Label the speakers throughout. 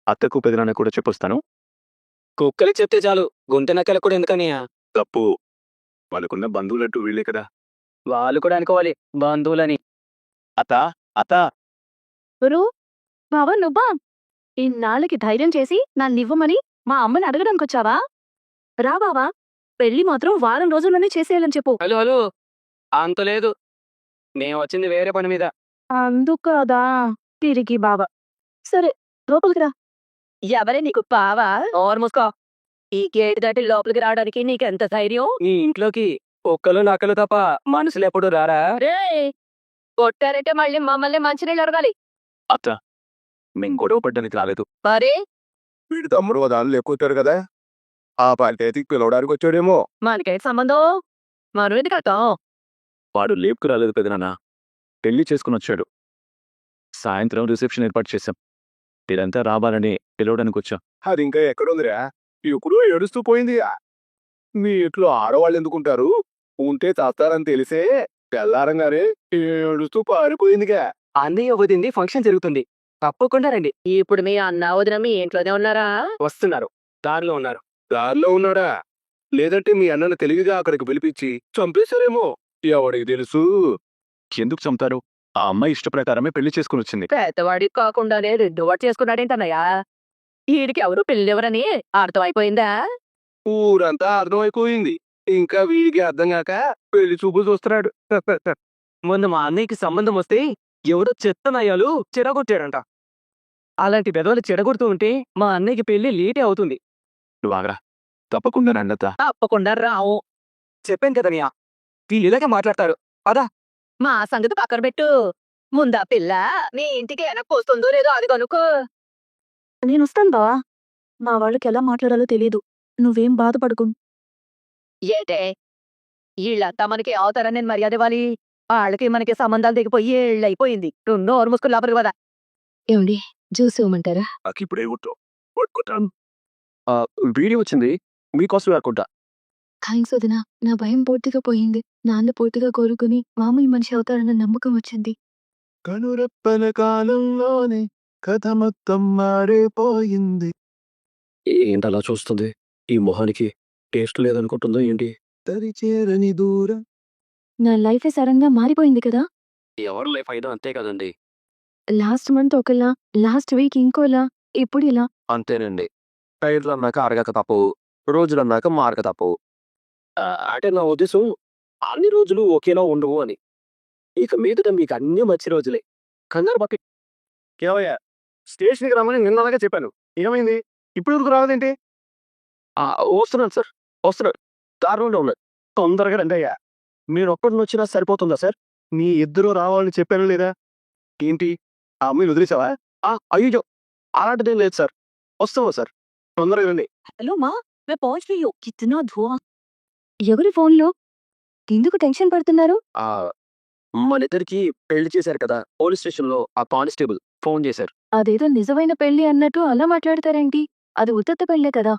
Speaker 1: అత్తకు పెదనాన్న కూడా చెప్పొస్తాను.
Speaker 2: కుక్కలకి చెప్తే చాలు, గుంటె నక్కలకు కూడా ఎందుకనియా?
Speaker 1: తప్పు. వాళ్ళకున్న బంధువులంటూ వీళ్ళే కదా.
Speaker 2: వాళ్ళు కూడా అనుకోవాలి బంధువులని.
Speaker 1: అత్త, అత్త.
Speaker 3: గురు బావా నువ్వా? ఇన్నాళ్ళకి ధైర్యం చేసి నన్నివ్వమని మా అమ్మని అడగడానికొచ్చావా? రా బావా, పెళ్లి మాత్రం వారం రోజుల్లోనే చేసేయాలని చెప్పు.
Speaker 2: హలో హలో, అంత లేదు, నేను వచ్చింది వేరే పని మీద.
Speaker 3: అందుకదా తిరిగి బావా. సరే లోపలికి రా. ఎవరే నీకు పావా?
Speaker 2: ఓర్ మూసుకో.
Speaker 3: ఈ గేట్ దాటి లోపలికి రావడానికి నీకెంత ధైర్యం?
Speaker 2: నీ ఇంట్లోకి కుక్కలు నక్కలు తప్ప మనుషులు ఎప్పుడు రారా?
Speaker 3: రే కొట్టారంటే మళ్ళీ మమ్మల్ని మంచినీళ్ళు అడగాలి.
Speaker 1: అత్త, మేం గొడవ పడ్డానికి రాలేదు.
Speaker 3: మరి
Speaker 4: వీడి తమ్ముడు దానిలో ఎక్కుతారు కదా, ఆ పంచాయతీకి పిలవడానికి వచ్చాడేమో.
Speaker 3: మనకేంటి సంబంధం? మనం ఎందుకు వెళ్తాం?
Speaker 1: వాడు లేపుకు రాలేదు పెదనాన్న, పెళ్లి చేసుకుని వచ్చాడు. సాయంత్రం రిసెప్షన్ ఏర్పాటు చేశాం. ఇదంతా రావాలని పిలవడానికి వచ్చాం.
Speaker 4: అది ఇంకా ఎక్కడుందిరా? ఎప్పుడూ ఏడుస్తూ పోయింది. మీ ఇంట్లో ఆడవాళ్ళు ఎందుకుంటారు? ఉంటే చేస్తారని తెలిసే తెల్లారంగానే ఏడుస్తూ పారిపోయిందిగా.
Speaker 2: అన్నయ్య వదింది ఫంక్షన్ జరుగుతుంది, తప్పకుండా రండి.
Speaker 3: ఇప్పుడు మీ అన్న వదిన మీ ఇంట్లోనే ఉన్నారా?
Speaker 2: వస్తున్నారు, దారిలో ఉన్నారు.
Speaker 4: దారిలో ఉన్నాడా? లేదంటే మీ అన్నను తెలివిగా అక్కడికి పిలిపించి చంపేశారేమో. ఎవడికి తెలుసు?
Speaker 1: ఎందుకు చంపుతారు? ఆ అమ్మాయి ఇష్ట ప్రకారమే పెళ్లి చేసుకుని వచ్చింది.
Speaker 3: పెద్దవాడికి కాకుండానే రెండు వాడు చేసుకున్నాడేంటన్నయ్యా? వీడికి ఎవరు పెళ్ళెవరని అర్థమైపోయిందా?
Speaker 4: ఊరంతా అర్థమైపోయింది. ఇంకా వీడికి అర్థం కాక పెళ్లి చూపులు చూస్తున్నాడు.
Speaker 2: మొన్న మా అన్నయ్యకి సంబంధం వస్తే ఎవడో చెత్త నయ్యాలు చెడగొట్టాడంట. అలాంటి పెదవులు చెడగొడుతూ ఉంటే మా అన్నయ్యకి పెళ్లి లేటే అవుతుంది.
Speaker 1: నువ్వు ఆగరా, తప్పకుండా రండత్త.
Speaker 3: తప్పకుండా రావు.
Speaker 2: చెప్పాను కదనియా, వీళ్ళు ఇలాగే మాట్లాడతారు.
Speaker 3: మా సంగతి పక్కన పెట్టు. ముందా పిల్ల నీ ఇంటికి వెనక్కి వస్తుందో లేదో అది కనుకో. నేను వస్తాను బావా. మా వాళ్ళకి ఎలా మాట్లాడాలో తెలీదు. నువ్వేం బాధపడకు. ఏటే వీళ్ళంతా మనకి అవుతారని నేను మర్యాద ఇవ్వాలి. వాళ్ళకి మనకి సంబంధాలు దిగిపోయి ఏళ్ళైపోయింది. రెండో ఓరు ముసుకుని లోపలికి పద. ఏమండి జ్యూస్ ఇవ్వమంటారా?
Speaker 1: నాకు ఇప్పుడే పట్టుకుంటాను. వీడియో వచ్చింది మీకోసం అనుకుంటా.
Speaker 5: థ్యాంక్స్ వదినా, నా భయం పూర్తిగా పోయింది. నాన్న పూర్తిగా కోరుకుని మామూలు మనిషి అవుతారన్న నమ్మకం వచ్చింది.
Speaker 4: కనురెప్పల కాలంలోనే కథ మొత్తం మారిపోయింది.
Speaker 2: ఏంటి అలా చూస్తుంది? ఈ మొహానికి టేస్ట్ లేదనుకుంటుందో ఏంటి?
Speaker 4: తరిచేరని దూరం.
Speaker 5: నా లైఫే సడన్ గా మారిపోయింది కదా.
Speaker 2: ఎవరి లైఫ్ అయినా అంతే కదండి.
Speaker 5: లాస్ట్ మంత్ ఒకలా, లాస్ట్ వీక్ ఇంకోలా, ఇప్పుడు ఇలా.
Speaker 2: అంతేనండి. టైర్లు అన్నాక అరగక తప్పవు, రోజులు అన్నాక మారక తప్పవు. అంటే నా ఉద్దేశం అన్ని రోజులు ఒకేలా ఉండవు అని. ఇక మీదట మీకు అన్ని మంచి రోజులే. కంగారు పక్క.
Speaker 4: కేవయ్య, స్టేషన్కి రమ్మని నిన్నలాగా చెప్పాను. ఏమైంది? ఇప్పుడు ఎందుకు రావదేంటి?
Speaker 2: వస్తున్నాను సార్, వస్తున్నాడు. దారిలోనే ఉన్నాడు.
Speaker 4: తొందరగా రండి అయ్యా.
Speaker 2: మీరు ఒక్కడిని వచ్చినా సరిపోతుందా సార్?
Speaker 4: నీ ఇద్దరు రావాలని చెప్పాను లేదా? ఏంటి, ఆ అమ్మాయిని వదిలేసావా?
Speaker 2: అయ్యో, అలాంటిదేం లేదు సార్. వస్తావా సార్?
Speaker 4: తొందరగా రండి.
Speaker 3: హలో మా मैं पहुंच रही हूँ. कितना धुआं.
Speaker 5: ఎవరి ఫోన్లో? ఎందుకు టెన్షన్ పడుతున్నారు?
Speaker 2: మన ఇద్దరికి పెళ్లి చేశారు కదా, పోలీస్ స్టేషన్ లో ఆ కానిస్టేబుల్ ఫోన్ చేశారు.
Speaker 5: అదేదో నిజమైన పెళ్లి అన్నట్టు అలా మాట్లాడతారేంటి? అది ఉత్తత్త పెళ్లే కదా.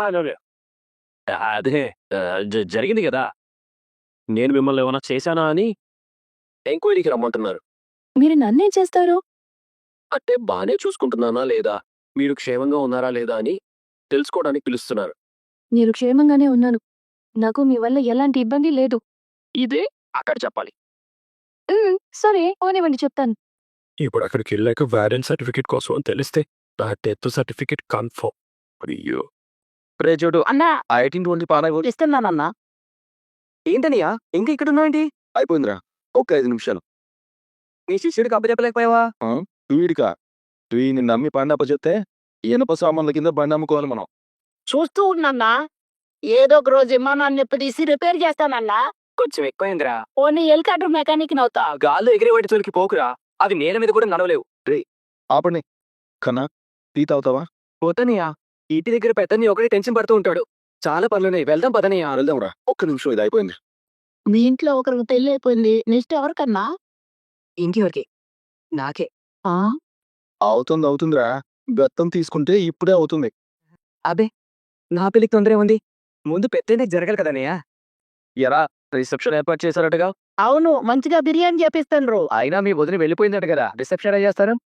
Speaker 2: అదే జరిగింది కదా. నేను మిమ్మల్ని ఏమైనా చేశానా అని ఎంక్వైరీకి రమ్మంటున్నారు.
Speaker 5: మీరు నన్నేం చేస్తారు?
Speaker 2: అంటే బానే చూసుకుంటున్నానా లేదా, మీరు క్షేమంగా ఉన్నారా లేదా అని తెలుసుకోవడానికి పిలుస్తున్నారు.
Speaker 5: మీరు క్షేమంగానే ఉన్నాను. నాకు మీ వల్ల ఎలాంటి ఇబ్బంది లేదు.
Speaker 2: ఇదే అక్కడ చెప్పాలి.
Speaker 5: సరే పోనివ్వండి, చెప్తాను.
Speaker 2: ఇప్పుడు అక్కడికి వెళ్ళాక వ్యారెంట్ సర్టిఫికేట్ కోసం అని తెలిస్తే నా డెత్ సర్టిఫికేట్ కన్ఫర్మ్. అయ్యో ప్రేజోడు
Speaker 3: అన్నా
Speaker 2: 1820 పారాయ్.
Speaker 3: ఇస్తున్నానన్నా.
Speaker 2: ఏంటనియా ఇంకా ఇక్కడ ఉన్నావేంటి?
Speaker 4: అయిపోయిందిరా, ఒక 5 నిమిషాలు.
Speaker 2: నీ శిష్యుడికి అప్పచెప్పలేకపోయావా?
Speaker 4: వీడికా? వీడిని నమ్మి బండి అప్పచెప్తే ఇనుప సామాన్ల కింద బండి అమ్ముకోవాలి మనం.
Speaker 3: చూస్తూ ఉన్నన్నా. ఏదో ఒక రోజు విమానాన్ని తీసి రిపేర్ చేస్తానన్నా.
Speaker 2: కొంచెం ఎక్కువైందిరా.
Speaker 3: ఓన్లీ హెలికాప్టర్ మెకానిక్ నవుతా.
Speaker 2: ఆ గాల్లో ఎగిరే వాటి తోలికి పోకురా, అది నేల మీద కూడా నడవలేవు.
Speaker 4: ఆపండి. కన్నా, టీ తాగుతావా?
Speaker 2: పోతనియా, ఇంటి దగ్గర పెద్దని ఒకటి టెన్షన్ పడుతూ ఉంటాడు. చాలా పనులున్నాయి, వెళ్దాం పదనియా.
Speaker 4: వెళ్దాంరా, ఒక్క నిమిషం, ఇది అయిపోయింది.
Speaker 3: మీ ఇంట్లో ఒకరికి పెళ్లి అయిపోయింది. నెక్స్ట్ ఎవరికన్నా?
Speaker 2: ఇంకెవరికి? నాకే.
Speaker 4: అవుతుందిరా, బెత్తం తీసుకుంటే ఇప్పుడే అవుతుంది.
Speaker 2: అబే, నా పెళ్లికి తొందర ఉంది. ముందు పెద్దనే జరగాలి కదనయ్యా. ఎరా, రిసెప్షన్ ఏర్పాటు చేశారటగా?
Speaker 3: అవును, మంచిగా బిర్యానీ చేపిస్తాను.
Speaker 2: అయినా మీ వదిలి వెళ్ళిపోయిందట కదా, రిసెప్షన్ చేస్తారు.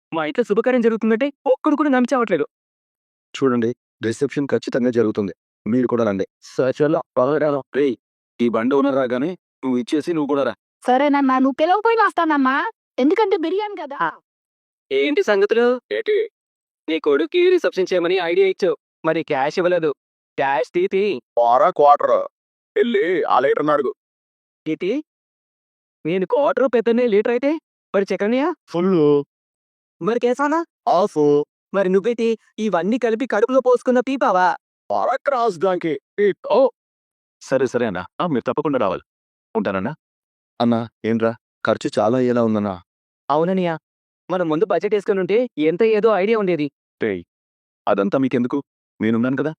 Speaker 2: మా ఇంట్లో శుభకార్యం జరుగుతుందంటే ఒక్కడు కూడా నమ్మి చావట్లేదు.
Speaker 4: చూడండి, రిసెప్షన్ ఖచ్చితంగా జరుగుతుంది. మీరు కూడా రండి.
Speaker 2: సచలో పగరాను.
Speaker 4: రేయ్, ఈ బండి ఓనర్ రాగానే నువ్వు ఇచ్చేసి నువ్వు కూడా రా.
Speaker 3: సరేనమ్మా నువ్వు పిలవపోయినా వస్తానమ్మా ఎందుకంటే బిర్యానీ కదా
Speaker 2: ఏంటి సంగతులు?
Speaker 4: ఏంటి?
Speaker 2: నీ కొడుక్కి రిసెప్షన్ చేయమని ఐడియా ఇచ్చావు. మరి క్యాష్ ఇవ్వలేదు. క్యాష్ తీతి.
Speaker 4: వారా క్వార్టర్ వెళ్ళి ఆ లీటర్ అడుగు.
Speaker 2: తీతి. నేను క్వార్టర్ పెద్దనే లీటర్ అయితే మరి చక్రనియా
Speaker 4: ఫుల్
Speaker 2: మరి కేసానా
Speaker 4: ఆఫ్
Speaker 2: మరి నువ్వైతే ఇవన్నీ కలిపి కడుపులో పోసుకున్న పీపావా?
Speaker 4: వారా క్రాస్ దానికి.
Speaker 1: ఓ సరే సరే అన్నా మీరు తప్పకుండా రావాలి. ఉంటానన్నా.
Speaker 4: అన్నా ఏంట్రా, ఖర్చు చాలా అయ్యేలా ఉందన్నా.
Speaker 2: అవుననియా, మనం ముందు బడ్జెట్ వేసుకుని ఉంటే ఎంత ఏదో ఐడియా ఉండేది.
Speaker 1: రేయ్ అదంతా మీకెందుకు, నేనున్నాను కదా.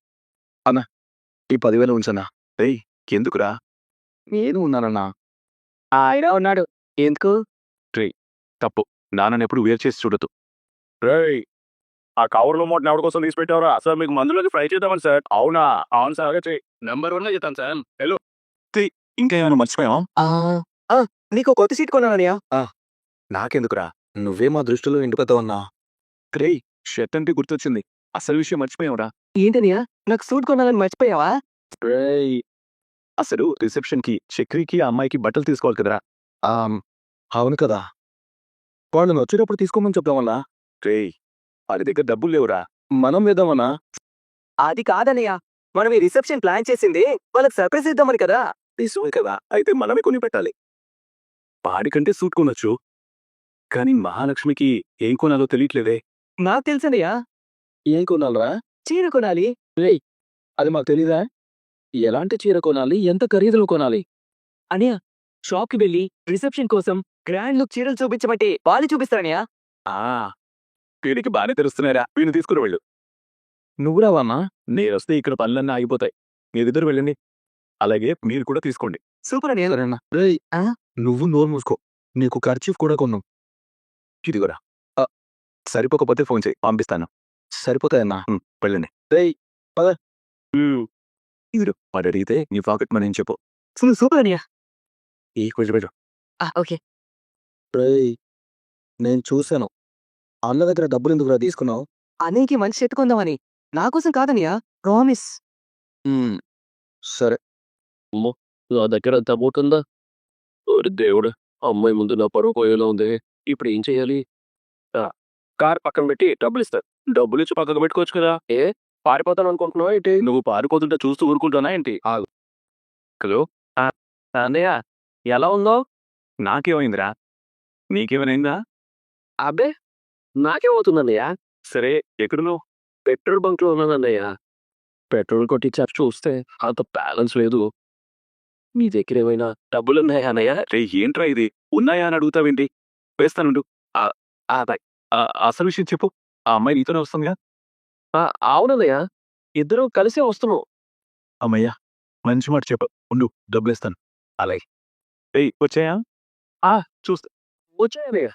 Speaker 4: ఈ 10,000 ఉంచన్నా.
Speaker 1: రేయ్ ఎందుకురా,
Speaker 4: నేను ఉన్నానన్నా.
Speaker 2: ఆయన ఉన్నాడు. ఎందుకు?
Speaker 1: తప్పు. నాన్నని ఎప్పుడు వేరు చేసి చూడదు.
Speaker 4: రేయ్, ఆ కవర్లో మూటని ఎవరి కోసం తీసి పెట్టావరా? సార్ మీకు మందులోకి ఫ్రై చేద్దామని సార్. అవునా? అవును సార్, అలాగే చెయ్యి. నెంబర్ 1 చెప్తాను సార్. హలో.
Speaker 1: ఇంకా ఏమైనా మర్చిపోయావా?
Speaker 2: నీకు కొత్త సీట్ కొన్నాననియా.
Speaker 1: నాకెందుకురా.
Speaker 4: నువ్వే మా దృష్టిలో ఎండిపోతావన్నా.
Speaker 1: రేయ్ షర్ట్ అంటే గుర్తొచ్చింది, అసలు విషయం మర్చిపోయావురా.
Speaker 2: ఏంటనియా, నాకు సూట్ కొనాలని మర్చిపోయావా?
Speaker 1: రేయ్ అసలు రిసెప్షన్ కి చక్రికి ఆ అమ్మాయికి బట్టలు తీసుకోవాలి కదరా.
Speaker 4: అవును కదా, వాళ్ళని వచ్చేటప్పుడు తీసుకోమని చెప్దామన్నా.
Speaker 1: రేయ్ వాళ్ళ దగ్గర డబ్బులు లేవురా.
Speaker 4: మనం వేద్దామన్నా.
Speaker 2: అది కాదనియా, మనం ఈ రిసెప్షన్ ప్లాన్ చేసింది వాళ్ళకి సర్ప్రైజ్ ఇద్దామని కదా.
Speaker 1: నిజమే కదా, అయితే మనమే కొని పెట్టాలి. వాడికంటే సూట్ కొనొచ్చు, కానీ మహాలక్ష్మికి ఏం కొనాలో తెలియట్లేదే.
Speaker 2: నాకు తెలుసనియా,
Speaker 4: ఏం కొనాలరా?
Speaker 2: చీర కొనాలి.
Speaker 4: అది మాకు తెలీదా? ఎలాంటి చీర కొనాలి, ఎంత ఖరీదులో కొనాలి?
Speaker 2: అనియా, షాప్ కి వెళ్ళి రిసెప్షన్ కోసం గ్రాండ్ లుక్ చీరలు చూపించమంటే వాళ్ళు చూపిస్తారనియా.
Speaker 1: ఆ వీడికి బాగానే తెలుస్తున్నారా, వీడిని తీసుకుని వెళ్ళు.
Speaker 4: నువ్వు రావన్నా?
Speaker 1: నేనొస్తే ఇక్కడ పనులన్నీ ఆగిపోతాయి. మీరిద్దరు వెళ్ళండి, అలాగే మీరు కూడా తీసుకోండి.
Speaker 2: సూపర్ అనియా.
Speaker 4: సరేనా? రేయ్,
Speaker 2: ఆ?
Speaker 4: నువ్వు నోరు మూసుకో. నీకు ఖర్చీఫ్ కూడా కొన్నాం.
Speaker 1: ఇదిగోరా. సరిపోకపోతే ఫోన్ చేయి, పంపిస్తాను.
Speaker 4: సరిపోతాయన్నా.
Speaker 1: వెళ్ళండి.
Speaker 4: రేయ్,
Speaker 1: ఇదిగో వాడు అడిగితే నీ పాకెట్ మనీ అని చెప్పు.
Speaker 2: సూపర్ అనియా.
Speaker 1: ఈ కొంచెం పెట్టు.
Speaker 2: ఓకే.
Speaker 4: రేయ్, నేను చూశాను. అన్న దగ్గర డబ్బులు ఎందుకురా తీసుకున్నావు?
Speaker 2: అన్నయ్యకి మంచి షర్ట్ కొందామని. నా కోసం కాదనియా, ప్రామిస్.
Speaker 4: సరే.
Speaker 2: నా దగ్గర అంత అమౌంట్ ఉందా? ఓరి దేవుడు, అమ్మాయి ముందు నా పరువు పోయేలా ఉంది. ఇప్పుడు ఏం చేయాలి? కార్ పక్కన పెట్టి డబ్బులు ఇస్తారు. డబ్బులు ఇచ్చి పక్కకు పెట్టుకోవచ్చు కదా. పారిపోతాను అనుకుంటున్నావా ఏంటి?
Speaker 1: నువ్వు పారిపోతుంటే చూస్తూ ఊరుకుంటానా ఏంటి? హలో.
Speaker 2: అన్నయ్య, ఎలా ఉందో?
Speaker 1: నాకేమైందిరా, నీకేమైనా?
Speaker 2: అబ్బే, నాకేమవుతుందన్నయ్య?
Speaker 1: సరే ఎక్కడున్నావు?
Speaker 2: పెట్రోల్ బంక్ లో ఉన్నానన్నయ్య. పెట్రోల్ కొట్టించారు, చూస్తే అంత బ్యాలెన్స్ లేదు. మీ దగ్గర ఏమైనా డబ్బులు ఉన్నాయా అన్నయ్య?
Speaker 1: రే ఏంట్రా ఇది, ఉన్నాయా అని అడుగుతావేంటి? వేస్తానుండు.
Speaker 2: బాయ్.
Speaker 1: అసలు విషయం చెప్పు. ఆ అమ్మాయి నీతోనే వస్తుందిగా?
Speaker 2: అవునన్నయ్య, ఇద్దరం కలిసే వస్తున్నాం.
Speaker 1: అమ్మయ్యా, మంచి మాట చెప్పు. ఉండు, డబ్బులేస్తాను. అలాగే. వచ్చాయా? చూస్తా.
Speaker 2: వచ్చాయన్నయ్య.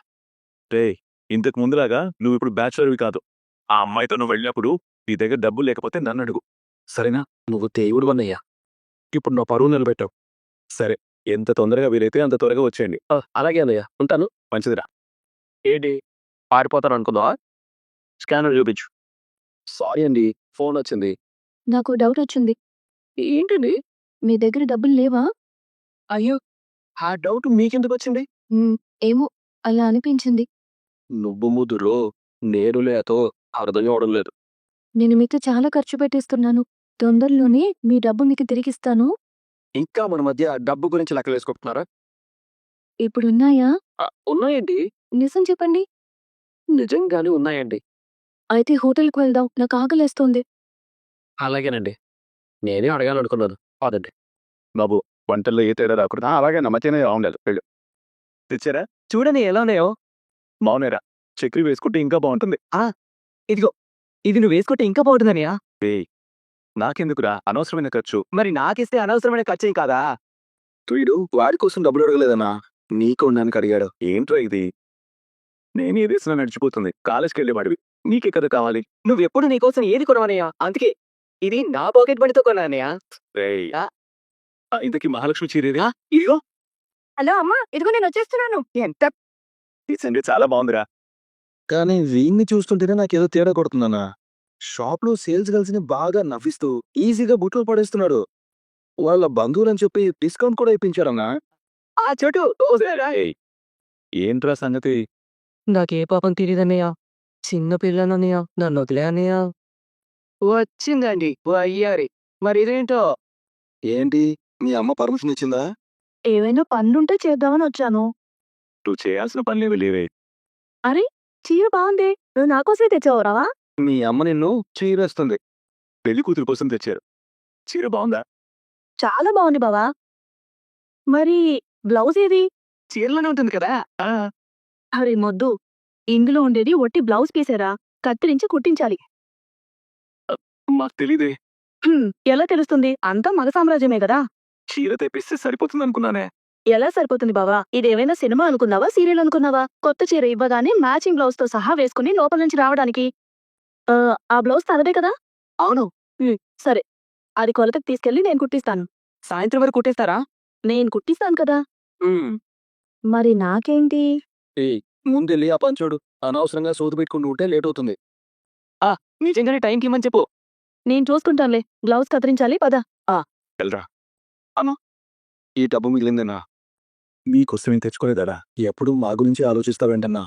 Speaker 1: ఇంతకు ముందులాగా నువ్వు ఇప్పుడు బ్యాచులర్వి కాదు. ఆ అమ్మాయితో నువ్వు వెళ్ళినప్పుడు నీ దగ్గర డబ్బులు లేకపోతే నన్ను అడుగు, సరేనా?
Speaker 2: నువ్వు దేవుడు అన్నయ్య.
Speaker 1: ఇప్పుడు నా పరువు నిలబెట్టావు. సరే, ఎంత తొందరగా వీలైతే అంత త్వరగా వచ్చేయండి.
Speaker 2: అలాగే అన్నయ్య, ఉంటాను.
Speaker 1: మంచిదిరా.
Speaker 2: ఏంటి, పారిపోతాను అనుకుందావా? స్కానర్ చూపించు. సారీ అండి, ఫోన్ వచ్చింది.
Speaker 5: నాకు డౌట్ వచ్చింది.
Speaker 2: ఏంటండి?
Speaker 5: మీ దగ్గర డబ్బులు లేవా?
Speaker 2: అయ్యో, ఆ డౌట్ మీకెందుకు వచ్చింది?
Speaker 5: ఏమో అలా అనిపించింది.
Speaker 2: నువ్వు ముదురు, నేను లేతో అర్థం కావడం లేదు.
Speaker 5: నేను మీకు చాలా ఖర్చు పెట్టిస్తున్నాను. తొందరలోనే మీ డబ్బు మీకు తిరిగిస్తాను.
Speaker 2: ఇంకా మన మధ్య డబ్బు గురించి లెక్కలు వేసుకుంటున్నారా?
Speaker 5: ఇప్పుడున్నాయా?
Speaker 2: ఉన్నాయండి,
Speaker 5: నిజం చెప్పండి.
Speaker 2: నిజంగానే ఉన్నాయండి.
Speaker 5: అయితే హోటల్కి వెళ్దాం, నాకు ఆకలేస్తోంది.
Speaker 2: అలాగేనండి, నేనే అడగాలనుకున్నాను. అదండి.
Speaker 1: బాబు, వంటల్లో ఏ తేడా రాకూడదు.
Speaker 4: అలాగే నమ్మచేనే బాగుండదు. వెళ్ళు.
Speaker 1: తెచ్చారా?
Speaker 2: చూడండి ఎలా ఉన్నాయో.
Speaker 1: బాగున్నాయిరా. చక్రి వేసుకుంటే ఇంకా బాగుంటుంది.
Speaker 2: ఇదిగో, ఇది నువ్వు వేసుకుంటే ఇంకా బాగుంటుందనియా.
Speaker 1: నాకెందుకురా అనవసరమైన ఖర్చు.
Speaker 2: మరి నాకిస్తే అనవసరమైన ఖర్చేం కాదా?
Speaker 4: వీడు వాడి కోసం డబ్బులు అడగలేదన్నా, నీకు ఉండడానికి అడిగాడు.
Speaker 1: ఏంట్రా ఇది? నేను ఈ దేశంలో నడిచిపోతుంది, కాలేజ్కి వెళ్ళేవాడివి, నీకే కదా కావాలి.
Speaker 2: నువ్వెప్పుడు నీకోసం ఏది కొనవనయ్యా, అందుకే ఇది నా పాకెట్ మనీతో కొన్నానయ్యా.
Speaker 1: ఇంతకీ మహాలక్ష్మి చీరేది?
Speaker 2: ఇదిగో.
Speaker 3: హలో అమ్మా ఇదిగో నేను వచ్చేస్తున్నాను
Speaker 2: ఎంత
Speaker 1: ఈ సండే చాలా బాగుందిరా.
Speaker 2: కానీ వీన్ని చూస్తుంటేనే నాకేదో తేడా కొడుతుందన్నా. షాప్లో సేల్స్ గర్ల్స్ని బాగా నవ్విస్తూ ఈజీగా బుట్లో పడేస్తున్నాడు. వాళ్ళ బంధువులని చెప్పి డిస్కౌంట్ కూడా ఇప్పించారన్నా.
Speaker 4: ఆ చెట్టు
Speaker 1: ఏయ్, ఏంట్రా సంగతి?
Speaker 2: నాకే పాపం తెలియదన్నయ్య. చిన్న పిల్లనన్నయ్య, నన్ను వదిలే అన్నయ్య. వచ్చిందండి వయ్యారి. మరి ఇదేంటో? ఏంటి మీ అమ్మ పర్మిషన్ ఇచ్చిందా?
Speaker 3: ఏవైనా పనులుంటే చేద్దామని వచ్చాను.
Speaker 1: నువ్వు చేయాల్సిన పనులేవి లేవే.
Speaker 3: అరే చీర బాగుంది, నువ్వు నాకోసమే తెచ్చావురా?
Speaker 2: మీ అమ్మ నిన్ను చీరేస్తుంది.
Speaker 1: పెళ్లి కూతురు కోసం తెచ్చారు. చీర బాగుందా?
Speaker 3: చాలా బాగుంది బావా. మరి బ్లౌజ్ ఏది?
Speaker 2: చీరలోనే ఉంటుంది కదా.
Speaker 3: అరే మొద్దు, ఇందులో ఉండేది ఒట్టి బ్లౌజ్ పీసేరా, కత్తిరించి కుట్టించాలి.
Speaker 1: మాకు తెలీదే.
Speaker 3: ఎలా తెలుస్తుంది? అంతా మగ సామ్రాజ్యమే కదా.
Speaker 1: చీర తెప్పిస్తే సరిపోతుంది అనుకున్నానే.
Speaker 3: ఎలా సరిపోతుంది బావా? ఇదేమైనా సినిమా అనుకున్నావా, సీరియల్ అనుకున్నావా? కొత్త చీర ఇవ్వగానే మ్యాచింగ్ బ్లౌజ్ తో సహా వేసుకుని లోపల నుంచి రావడానికి. ఆ బ్లౌజ్ తనదే కదా?
Speaker 2: అవును.
Speaker 3: సరే, అది కొలతకు తీసుకెళ్లి నేను కుట్టిస్తాను.
Speaker 2: సాయంత్రం వరకు కుట్టేస్తారా?
Speaker 3: నేను కుట్టిస్తాను కదా. మరి నాకేంటి?
Speaker 2: ముందెళ్ళి ఆ పని చూడు. అనవసరంగా సోదు పెట్టుకుని ఉంటే లేట్ అవుతుంది. నిజంగానే టైంకి ఇమ్మని చెప్పు.
Speaker 3: నేను చూసుకుంటానులే. బ్లౌజ్ కత్తిరించాలి, పద.
Speaker 1: వెళ్ళరా.
Speaker 2: ఈ డబ్బు మిగిలిందన్నా.
Speaker 1: మీకోసం ఏం తెచ్చుకోలేదరా?
Speaker 2: ఎప్పుడు మా గురించి ఆలోచిస్తావేంటన్నా?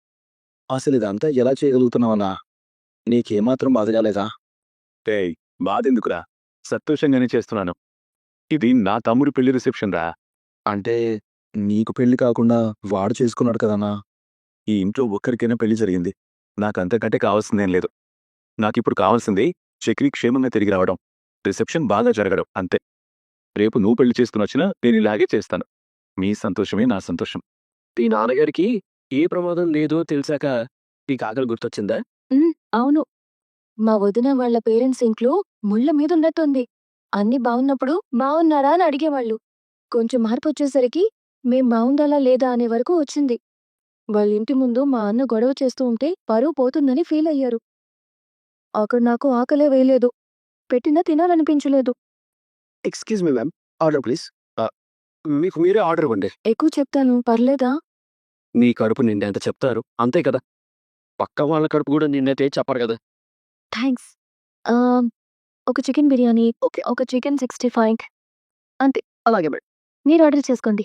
Speaker 2: అసలు ఇదంతా ఎలా చేయగలుగుతున్నావన్నా? నీకేమాత్రం బాధ కాలేదా?
Speaker 1: ఏయ్, బాధెందుకురా? సంతోషంగానే చేస్తున్నాను. ఇది నా తమ్ముడి పెళ్లి రిసెప్షన్ రా.
Speaker 2: అంటే నీకు పెళ్లి కాకుండా వాడు చేసుకున్నాడు కదన్నా.
Speaker 1: ఈ ఇంట్లో ఒక్కరికైనా పెళ్లి జరిగింది. నాకంతకంటే కావాల్సిందేం లేదు. నాకిప్పుడు కావాల్సింది చక్రి క్షేమంగా తిరిగి రావడం, రిసెప్షన్ బాగా జరగడం, అంతే. రేపు నువ్వు పెళ్లి చేసుకుని వచ్చినా నేను ఇలాగే చేస్తాను. మీ సంతోషమే నా సంతోషం.
Speaker 2: ఈ నాన్నగారికి ఏ ప్రమాదం లేదో తెలిసాక నీకు ఆకలి గుర్తొచ్చిందా?
Speaker 5: అవును. మా వదిన వాళ్ళ పేరెంట్స్ ఇంట్లో ముళ్ళ మీద ఉన్నట్టుంది. అన్ని బాగున్నప్పుడు బాగున్నారా అని అడిగేవాళ్ళు. కొంచెం మార్పు వచ్చేసరికి మేం బాగుండాలా లేదా అనే వరకు వచ్చింది. వాళ్ళ ఇంటి ముందు మా అన్న గొడవ చేస్తూ ఉంటే పరువు పోతుందని ఫీల్ అయ్యారు. అక్కడ నాకు ఆకలే వేయలేదు, పెట్టినా తినాలనిపించలేదు.
Speaker 2: Excuse me ma'am, order please. మీకు మీరే ఆర్డర్ ఇవ్వండి.
Speaker 5: ఎక్కువ చెప్తాను, పర్లేదా?
Speaker 2: మీ కడుపు నిండేంత చెప్తారు, అంతే కదా. పక్క వాళ్ళ కడుపు కూడా నిండైతే చెప్పరు కదా.
Speaker 5: థ్యాంక్స్. ఆ, ఒక చికెన్ బిర్యానీ,
Speaker 2: ఓకే.
Speaker 5: ఒక చికెన్ 65.
Speaker 2: అలాగే మేడం.
Speaker 5: మీరు ఆర్డర్ చేసుకోండి.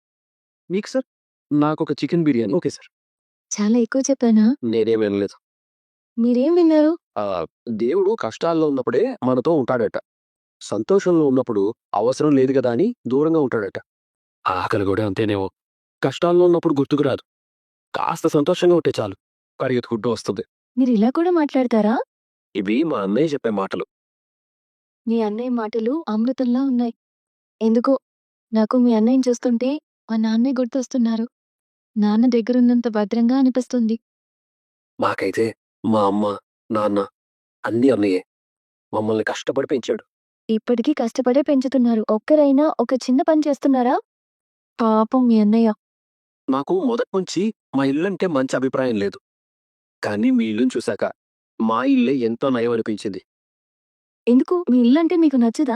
Speaker 2: మీకు సార్? నాకు ఒక చికెన్ బిర్యానీ. Okay sir.
Speaker 5: చాలా ఎక్కువ చెప్పానా?
Speaker 2: నేనేం వినలేదు.
Speaker 5: మీరేం విన్నారు?
Speaker 2: దేవుడు కష్టాల్లో ఉన్నప్పుడే మనతో ఉంటాడట. సంతోషంలో ఉన్నప్పుడు అవసరం లేదు కదా అని దూరంగా ఉంటాడట. ఆకలి కూడా అంతేనేమో. కష్టాల్లో ఉన్నప్పుడు గుర్తుకు రాదు. కాస్త సంతోషంగా ఉంటే చాలు, పరిగెత్తుకుంటూ వస్తుంది.
Speaker 5: మీరు ఇలా కూడా మాట్లాడతారా?
Speaker 2: ఇవి మా అన్నయ్య చెప్పే మాటలు.
Speaker 5: మీ అన్నయ్య మాటలు అమృతంలా ఉన్నాయి. ఎందుకో నాకు మీ అన్నయ్యని చూస్తుంటే మా నాన్నే గుర్తొస్తున్నారు. నాన్న దగ్గరున్నంత భద్రంగా అనిపిస్తుంది.
Speaker 2: మాకైతే మా అమ్మ, నాన్న అన్నీ అన్నయ్యే. మమ్మల్ని కష్టపడి పెంచాడు.
Speaker 5: ఇప్పటికీ కష్టపడే పెంచుతున్నారు. ఒక్కరైనా ఒక చిన్న పని చేస్తున్నారా? పాపం మీ అన్నయ్య.
Speaker 2: నాకు మొదటి నుంచి మా ఇల్లంటే మంచి అభిప్రాయం లేదు. కానీ మీ ఇల్లుని చూశాక మా ఇల్లే ఎంతో నయం అనిపించింది.
Speaker 5: ఎందుకు మీ ఇల్లంటే మీకు నచ్చదా?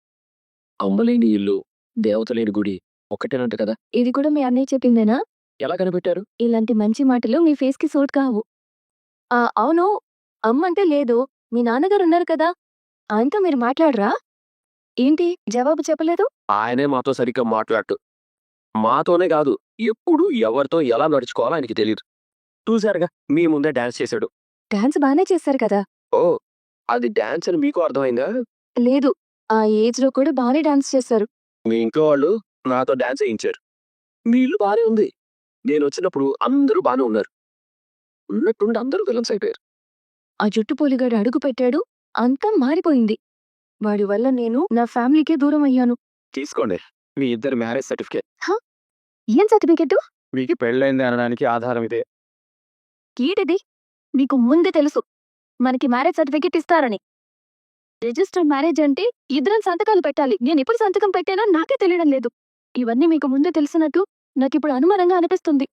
Speaker 2: అమ్మలేని ఇల్లు, దేవతలేని గుడి ఒకటేనంట కదా.
Speaker 5: ఇది కూడా మీ అన్నయ్య చెప్పిందేనా?
Speaker 2: ఎలా కనిపెట్టారు?
Speaker 5: ఇలాంటి మంచి మాటలు మీ ఫేస్ కి సూట్ కావు. అవును, అమ్మంటే లేదు, మీ నాన్నగారు ఉన్నారు కదా, ఆయనతో మీరు మాట్లాడరా? ఏంటి జవాబు చెప్పలేదు?
Speaker 2: ఆయనే మాతో సరిగ్గా మాట్లాడు. మాతోనే కాదు, ఎప్పుడు ఎవరితో ఎలా నడుచుకోవాలో ఆయనకి తెలియదు. చూశారుగా, మీ ముందే డాన్స్ చేశాడు.
Speaker 5: డాన్స్ బానే చేశారు కదా.
Speaker 2: ఓ, అది డాన్స్ అని మీకు అర్థమైందా?
Speaker 5: లేదు, ఆ ఏజ్ లో కూడా బానే డాన్స్ చేశారు.
Speaker 2: మీ ఇంట్లో వాళ్ళు నాతో డాన్స్ వేయించారు. మీ ఇల్లు బానే ఉంది. నేను వచ్చినప్పుడు అందరూ బానే ఉన్నారు. ఉన్నట్టుండి అందరూ విలన్స్ అయిపోయారు.
Speaker 5: ఆ జుట్టు పోలిగాడు అడుగు పెట్టాడు, అంతా మారిపోయింది. వాడి వల్ల నేను నా ఫ్యామిలీకే దూరం అయ్యాను.
Speaker 2: తీసుకోండి మీ ఇద్దరు మ్యారేజ్ సర్టిఫికేట్.
Speaker 5: ఏం సర్టిఫికెట్?
Speaker 2: మీకు పెళ్ళైంది అనడానికి ఆధారం ఇదే.
Speaker 5: ఏంటిది? మీకు ముందే తెలుసు మనకి మ్యారేజ్ సర్టిఫికెట్ ఇస్తారని. రిజిస్టర్ మ్యారేజ్ అంటే ఇద్దరం సంతకాలు పెట్టాలి. నేను ఎప్పుడు సంతకం పెట్టానో నాకే తెలియడం లేదు. ఇవన్నీ మీకు ముందే తెలిసినట్టు నాకిప్పుడు అనుమానంగా అనిపిస్తుంది.